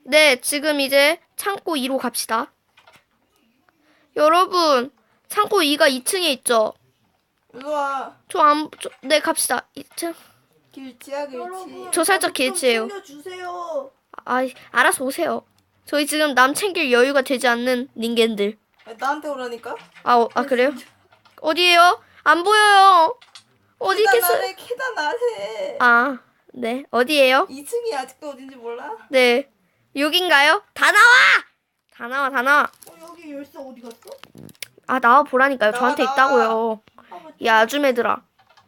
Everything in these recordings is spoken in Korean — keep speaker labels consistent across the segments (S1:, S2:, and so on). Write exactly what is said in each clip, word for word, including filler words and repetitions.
S1: 네, 지금 이제 창고 이로 갑시다. 여러분, 창고 이가 이 층에 있죠?
S2: 일로와.
S1: 저 안, 저, 네, 갑시다. 이 층.
S2: 길치야 길치.
S3: 여러분,
S1: 저 살짝
S3: 저좀
S1: 길치예요.
S3: 챙겨주세요.
S1: 아, 알아서 오세요. 저희 지금 남 챙길 여유가 되지 않는 닌겐들.
S2: 아니, 나한테 오라니까.
S1: 아, 어, 아 그래요? 어디에요? 안 보여요. 어디
S2: 계단
S1: 있겠어요?
S2: 아래 계단 아래.
S1: 아, 네. 어디에요?
S2: 이 층이 아직도 어딘지 몰라?
S1: 네. 여긴가요? 다 나와! 다 나와, 다 나와.
S3: 어, 여기 열쇠 어디 갔어?
S1: 아, 나와 보라니까요.
S2: 나와,
S1: 저한테
S2: 나와.
S1: 있다고요.
S3: 아, 맞다.
S1: 이 아줌 애들아.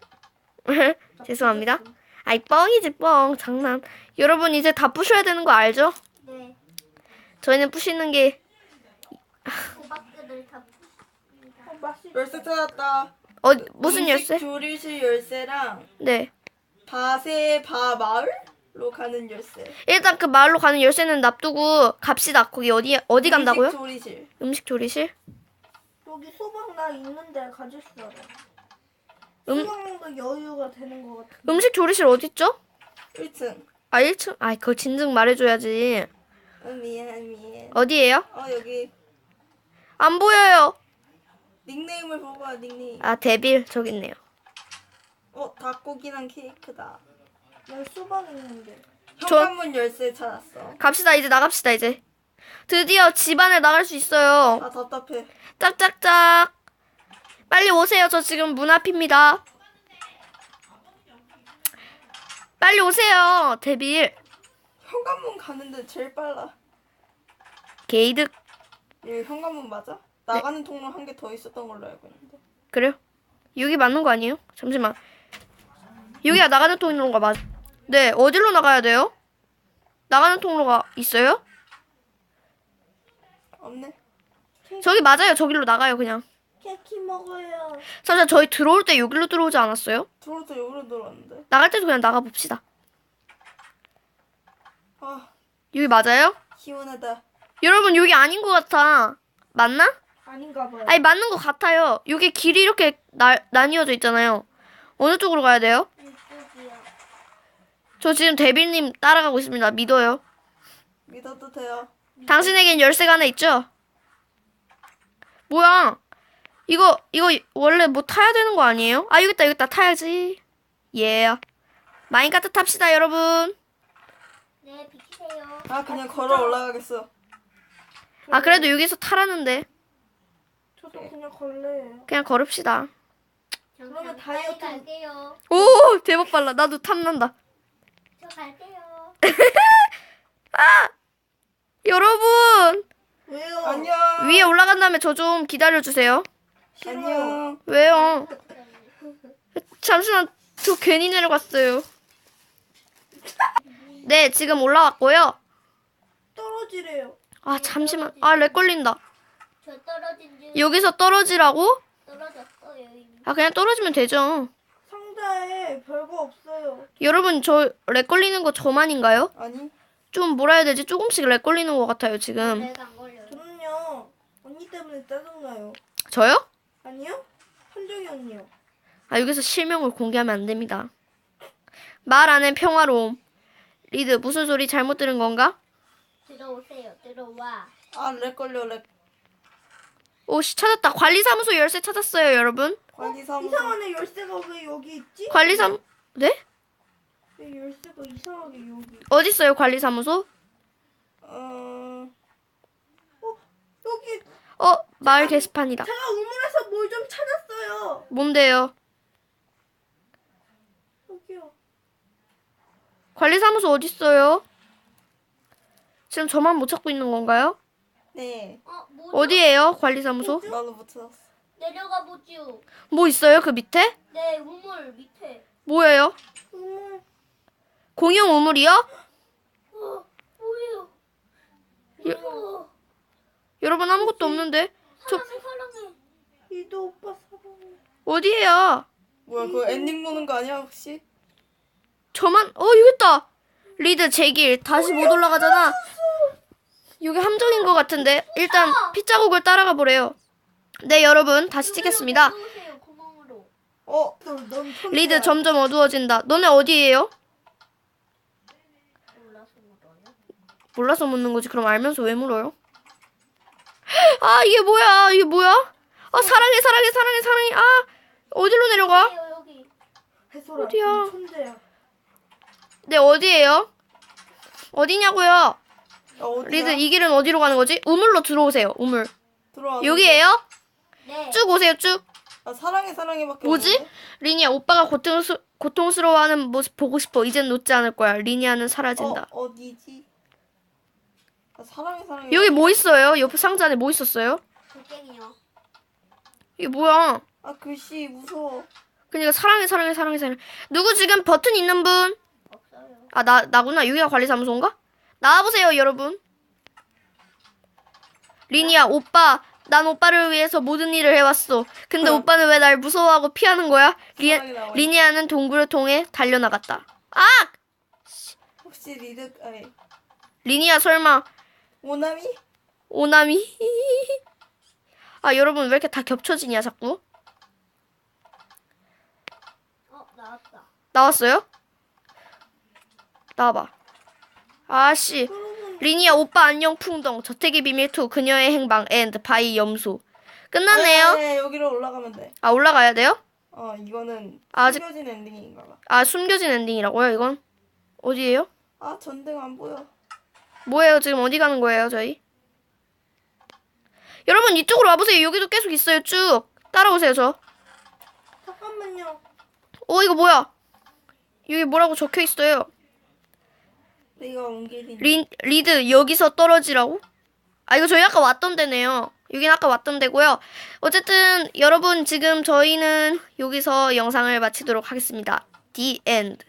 S1: 죄송합니다. 아이, 뻥이지, 뻥. 장난. 여러분, 이제 다 부셔야 되는 거 알죠?
S4: 네.
S1: 저희는 부시는 게,
S4: 호박들을 다
S3: 어, 맛있.
S2: 열쇠 찾았다.
S1: 어, 무슨
S2: 음식
S1: 열쇠?
S2: 조리실 열쇠랑
S1: 네.
S2: 바세 바 마을로 가는 열쇠.
S1: 일단 그 마을로 가는 열쇠는 놔두고 갑시다. 거기 어디, 어디 간다고요?
S2: 음식 조리실.
S1: 음식 조리실?
S3: 여기 소박 나 있는데 가질 수 알아.
S1: 음-
S3: 소박도 여유가 되는 것 같아.
S1: 음식 조리실 어딨죠?
S2: 일 층.
S1: 아, 일 층? 아, 그거 진즉 말해줘야지.
S2: 어, 미안 미안.
S1: 어디에요?
S2: 어 여기
S1: 안 보여요.
S2: 닉네임을 보고 와 닉네임.
S1: 아, 데빌. 저기 있네요.
S2: 어 닭고기랑 케이크다.
S3: 나 소박 있는데.
S1: 저-
S2: 현관문 열쇠 찾았어.
S1: 갑시다. 이제 나갑시다, 이제. 드디어 집 안에 나갈 수 있어요.
S2: 아 답답해.
S1: 짝짝짝. 빨리 오세요. 저 지금 문 앞입니다. 빨리 오세요. 데빌.
S2: 현관문 가는데 제일 빨라.
S1: 게이득.
S2: 여기 현관문 맞아? 나가는 통로 한 개 더 있었던 걸로 알고 있는데.
S1: 그래요? 여기 맞는 거 아니에요? 잠시만. 여기가 나가는 통로가 맞... 네, 어디로 나가야 돼요? 나가는 통로가 있어요?
S2: 없네.
S1: 저기 맞아요. 저기로 나가요, 그냥.
S3: 케이크 먹어요.
S1: 사실 저희 들어올 때 여기로 들어오지 않았어요?
S2: 들어도 여기로 들어왔는데.
S1: 나갈 때도 그냥 나가봅시다.
S2: 아
S1: 여기 맞아요?
S2: 시원하다.
S1: 여러분, 여기 아닌 것 같아. 맞나?
S3: 아닌가 봐요.
S1: 아니, 맞는 것 같아요. 여기 길이 이렇게 나, 나뉘어져 있잖아요. 어느 쪽으로 가야 돼요?
S4: 이쪽이요.
S1: 저 지금 데빌님 따라가고 있습니다. 믿어요.
S2: 믿어도 돼요.
S1: 당신에겐 열쇠가 하나 있죠? 뭐야? 이거 이거 원래 뭐 타야 되는 거 아니에요? 아, 여기 있다, 여기 있다. 타야지. 예. 마인카트 탑시다, 여러분.
S4: 네, 비키세요.
S2: 아 그냥 걸어 올라가겠어.
S1: 아, 그래도 여기서 타라는데.
S3: 저도 그냥 걸래요.
S1: 그냥 걸읍시다.
S3: 그러면
S4: 빨리
S3: 다이어트-
S4: 갈게요.
S1: 오, 대박 빨라. 나도 탐난다.
S4: 저 갈게요.
S1: 여러분,
S3: 왜요?
S2: 안녕.
S1: 위에 올라간 다음에 저 좀 기다려주세요.
S3: 싫어요.
S2: 안녕.
S1: 왜요? 잠시만, 저 괜히 내려갔어요. 네, 지금 올라왔고요.
S3: 떨어지래요.
S1: 아, 잠시만. 아, 렉 걸린다.
S4: 저 떨어진 줄
S1: 여기서 떨어지라고?
S4: 떨어졌어요. 이미.
S1: 아, 그냥 떨어지면 되죠.
S3: 상자에 별거 없어요.
S1: 여러분, 저 렉 걸리는 거 저만인가요?
S2: 아니
S1: 좀 뭐라 해야 되지? 조금씩 렉 걸리는 것 같아요, 지금.
S4: 내가 안 걸려요.
S3: 저는요 언니 때문에 짜증나요.
S1: 저요?
S3: 아니요? 한정이 언니요.
S1: 아, 여기서 실명을 공개하면 안 됩니다. 말 안엔 평화로움. 리드, 무슨 소리 잘못 들은 건가?
S4: 들어오세요. 들어와.
S2: 아렉 걸려 렉.
S1: 오씨, 찾았다. 관리사무소 열쇠 찾았어요, 여러분.
S2: 관리사무소.
S3: 이상하네 열쇠가 왜 여기 있지?
S1: 관리사무, 네?
S3: 왜 열쇠가 이상하게 여기?
S1: 어딨어요, 관리사무소?
S2: 어
S3: 어 여기
S1: 어, 마을 게시판이다.
S3: 제가 우물에서 뭘 좀 찾았어요.
S1: 뭔데요?
S3: 여기요.
S1: 관리사무소 어딨어요? 지금 저만 못 찾고 있는 건가요?
S2: 네.
S4: 어, 뭐
S1: 어디에요, 관리사무소?
S2: 나도 못 찾았어.
S4: 내려가 보지요.
S1: 뭐 있어요, 그 밑에?
S4: 네, 우물 밑에.
S1: 뭐예요?
S3: 우물.
S1: 공용 우물이요?
S4: 어, 뭐예요?
S1: 예.
S4: 어,
S1: 여러분, 아무것도 없는데? 저,
S4: 사랑해, 사랑해.
S3: 이도 오빠 사랑해.
S1: 어디에요?
S2: 뭐야 그거 엔딩 보는 거 아니야 혹시?
S1: 저만, 어, 여기 있다! 리드, 제길, 다시 못 올라가잖아. 여기 함정인 것 같은데? 일단, 핏자국을 따라가 보래요. 네, 여러분, 다시 찍겠습니다.
S4: 들어오세요, 구멍으로.
S2: 어
S3: 넌, 넌
S1: 리드, 점점 어두워진다. 너네 어디에요?
S4: 올라서 물어요.
S1: 몰라서 묻는 거지. 그럼 알면서 왜 물어요? 아 이게 뭐야? 이게 뭐야? 아 사랑해 사랑해 사랑해 사랑해. 아 어디로 내려가?
S4: 여기요, 여기.
S3: 해소라.
S1: 어디야?
S3: 천재야.
S1: 네 어디예요? 어디냐고요?
S2: 아, 어디야?
S1: 리드 이 길은 어디로 가는 거지? 우물로 들어오세요. 우물.
S2: 들어와.
S1: 여기에요?
S4: 네.
S1: 쭉 오세요 쭉.
S2: 아, 사랑해 사랑해밖에
S1: 뭐지?
S2: 없는데?
S1: 리니야 오빠가 고통스, 고통스러워하는 모습 보고 싶어. 이젠 놓지 않을 거야. 리니아는 사라진다.
S2: 어 어디지? 아, 사랑해 사랑해.
S1: 여기 뭐 있어요? 옆에 상자 안에 뭐 있었어요?
S4: 돌덩이요.
S1: 이게 뭐야?
S2: 아 글씨 무서워.
S1: 그러니까 사랑해 사랑해 사랑해 사랑해. 누구 지금 버튼 있는 분?
S4: 없어요.
S1: 아 나 나구나. 유기가 관리사무소인가? 나와보세요 여러분. 리니야 오빠 난 오빠를 위해서 모든 일을 해왔어. 근데
S2: 응.
S1: 오빠는 왜 날 무서워하고 피하는 거야? 리,
S2: 사랑이 나와.
S1: 리니아는 동굴을 통해 달려나갔다. 아!
S2: 혹시 리드 아니
S1: 리니아 설마
S2: 오나미?
S1: 오나미? 아 여러분 왜 이렇게 다 겹쳐지냐 자꾸?
S4: 어, 나왔다.
S1: 나왔어요? 나와봐. 아씨. 리니아 오빠 안녕 풍덩 저택의 비밀 투 그녀의 행방 앤드 바이 염소. 끝났네요.
S2: 네, 여기로 올라가면 돼.
S1: 아 올라가야 돼요?
S2: 어 이거는
S1: 아직-
S2: 숨겨진 엔딩인가 봐.
S1: 아 숨겨진 엔딩이라고요 이건? 어디예요?
S2: 아 전등 안 보여.
S1: 뭐예요 지금 어디 가는 거예요 저희? 여러분 이쪽으로 와보세요. 여기도 계속 있어요 쭉. 따라오세요 저.
S3: 잠깐만요.
S1: 어 이거 뭐야? 여기 뭐라고 적혀 있어요?
S2: 내가 옮기린.
S1: 리, 리드 여기서 떨어지라고? 아 이거 저희 아까 왔던 데네요. 여긴 아까 왔던 데고요. 어쨌든 여러분 지금 저희는 여기서 영상을 마치도록 하겠습니다. The end.